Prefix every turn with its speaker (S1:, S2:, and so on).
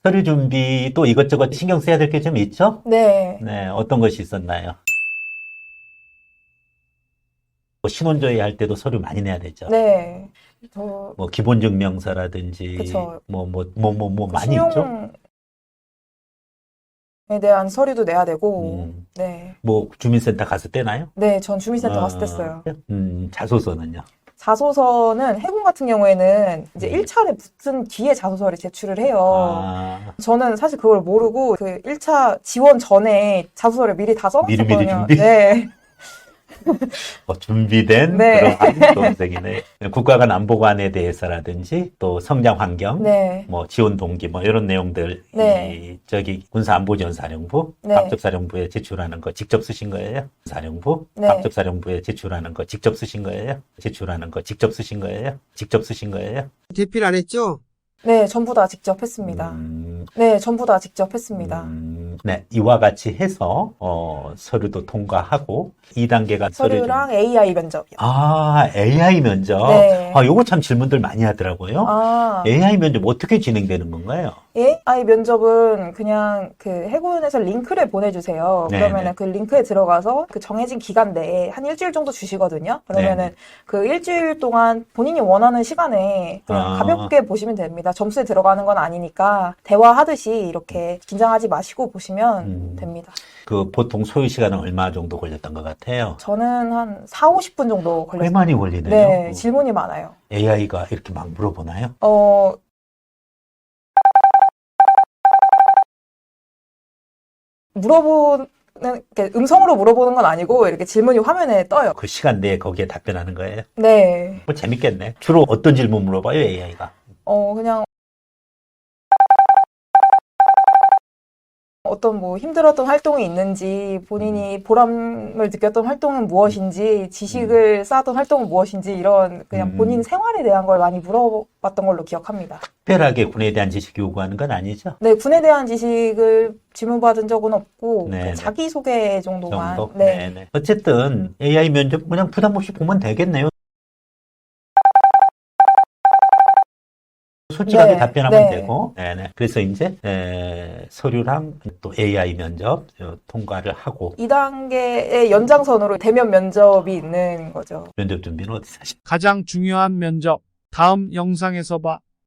S1: 서류 준비 또 이것저것 신경 써야 될 게 좀 있죠?
S2: 네.
S1: 네, 어떤 것이 있었나요? 뭐 신혼조회 할 때도 서류 많이 내야 되죠.
S2: 네. 저,
S1: 뭐 기본증명서라든지
S2: 그쵸.
S1: 뭐
S2: 그
S1: 많이 있죠?
S2: 신용에 대한 서류도 내야 되고,
S1: 음,
S2: 네.
S1: 뭐 주민센터 가서 떼나요?
S2: 네, 전 주민센터 갔을 때
S1: 어,
S2: 써요.
S1: 자소서는요?
S2: 자소서는 해군 같은 경우에는 이제
S1: 음.
S2: 1차를 붙은 뒤에 자소서를 제출을 해요.
S1: 아,
S2: 저는 사실 그걸 모르고 그 1차 지원 전에 자소서를 미리 다
S1: 미리미리
S2: 써놨었거든요.
S1: 준비?
S2: 네.
S1: 준비된
S2: 네.
S1: 그런 수험생이네. 국가 간 안보관에 대해서라든지 또 성장 환경,
S2: 네.
S1: 뭐 지원 동기 뭐 이런 내용들
S2: 네.
S1: 저기 군사안보지원사령부
S2: 네.
S1: 각적사령부에 제출하는 거 직접 쓰신 거예요? 사령부
S2: 네.
S1: 각적사령부에 제출하는 거 직접 쓰신 거예요? 제출하는 거 직접 쓰신 거예요? 직접 쓰신 거예요?
S3: 대필 안 했죠?
S2: 네, 전부 다 직접 했습니다. 네, 전부 다 직접 했습니다.
S1: 네, 이와 같이 해서 서류도 통과하고 2단계가
S2: 서류랑 AI 면접이요.
S1: AI 면접.
S2: 네.
S1: 요거 참 질문들 많이 하더라고요.
S2: 아,
S1: AI 면접 어떻게 진행되는 건가요?
S2: AI 면접은 그냥 그 해군에서 링크를 보내주세요.
S1: 네네.
S2: 그러면은 그 링크에 들어가서 그 정해진 기간 내에 한 일주일 정도 주시거든요. 그러면은
S1: 네네.
S2: 그 일주일 동안 본인이 원하는 시간에 그냥
S1: 아.
S2: 가볍게 보시면 됩니다. 점수에 들어가는 건 아니니까 대화하듯이 이렇게 긴장하지 마시고 보시면 됩니다.
S1: 그 보통 소요 시간은 얼마 정도 걸렸던 것 같아요?
S2: 저는 한 4, 50분 정도
S1: 꽤
S2: 걸렸어요.
S1: 많이 걸리네요.
S2: 네, 질문이 많아요.
S1: AI가 이렇게 막 물어보나요?
S2: 물어보는, 이렇게 음성으로 물어보는 건 아니고, 이렇게 질문이 화면에 떠요.
S1: 그 시간 내에 거기에 답변하는 거예요?
S2: 네.
S1: 뭐 재밌겠네. 주로 어떤 질문 물어봐요, AI가?
S2: 그냥, 어떤 뭐 힘들었던 활동이 있는지, 본인이 보람을 느꼈던 활동은 무엇인지, 지식을 쌓았던 활동은 무엇인지, 이런 그냥 본인 생활에 대한 걸 많이 물어봤던 걸로 기억합니다.
S1: 특별하게 군에 대한 지식 요구하는 건 아니죠?
S2: 네, 군에 대한 지식을 질문받은 적은 없고,
S1: 네네.
S2: 자기소개 정도만.
S1: 정도?
S2: 네.
S1: 네네. 어쨌든 AI 면접 그냥 부담 없이 보면 되겠네요. 솔직하게
S2: 네,
S1: 답변하면
S2: 네.
S1: 되고, 네네. 그래서 이제 서류랑 또 AI 면접 통과를 하고
S2: 2단계의 연장선으로 대면 면접이 있는 거죠.
S1: 면접 준비는 어디서 하십니까?
S4: 가장 중요한 면접. 다음 영상에서 봐.